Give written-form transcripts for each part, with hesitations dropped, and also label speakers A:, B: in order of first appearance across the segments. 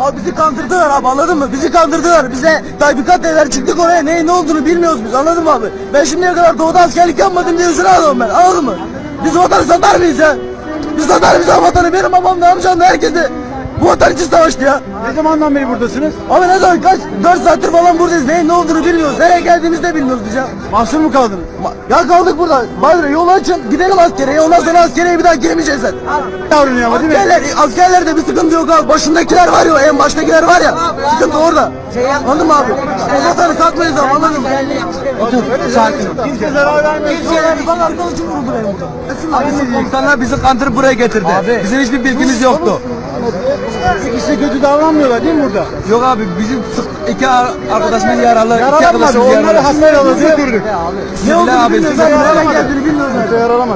A: Abi bizi kandırdılar abi, anladın mı? Bizi kandırdılar. Bize tatbikat dediler, çıktık oraya, neyin ne olduğunu bilmiyoruz biz, anladın mı abi? Ben şimdiye kadar doğuda askerlik yapmadım diye üzüle aldım ben, anladın mı? Biz vatanı satar mıyız ya? Biz satar mıyız ya vatanı? Benim babam da amcam da herkes de bu vatan için savaştı ya.
B: Ne zamandan beri buradasınız?
A: Abi ne zaman, kaç 4 saattir falan buradayız, neyin ne olduğunu bilmiyoruz. Nereye geldiğimizi de bilmiyoruz biz ya.
B: Mahsur mu kaldınız?
A: Ya kaldık burada. Bari yolu açın, gidelim askereye, ondan sonra askereye bir daha giremeyeceğiz zaten.
B: Davranıyor ama değil mi?
A: Askerlerde bir sıkıntı yok abi. Başındakiler var ya, en baştakiler var ya. Sıkıntı orada. Anladın mı abi? O vatanı satmayız abi, anladın mı?
B: Sakin ol. Kimse zarar vermiyor.
A: Bak arkadaşım vurdu benim. Abi komutanlar bizi kandırıp buraya getirdi. Bizim hiçbir bilgimiz yoktu.
B: Size kötü davranmıyorlar değil mi burada?
A: Yok abi, bizim iki arkadaşımız yaralı.
B: Yaralamadı. Onları haber alacak.
A: Ne oldu abi? Siz nereden geldiğini bilmiyoruz.
B: Kimse yaralamadı.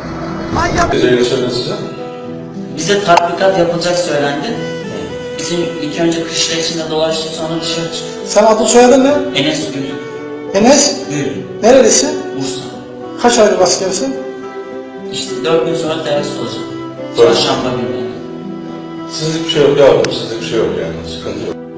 C: Bize tatbikat yapılacak söylendi. Bizim ilk önce kışla içinde dolaştık, sonra dışarı çıktık.
D: Sen adın soyadın ne?
C: Enes Gül,
D: Enes.
C: Gül,
D: Nerelisin?
C: Bursa.
D: Kaç aylık askersin?
C: İşte 4 gün sonra terörist olacağım. Çarşamba günü.
E: Sizlik bir şey yok yavrum, sizlik bir şey yok yani, sıkıntı yok.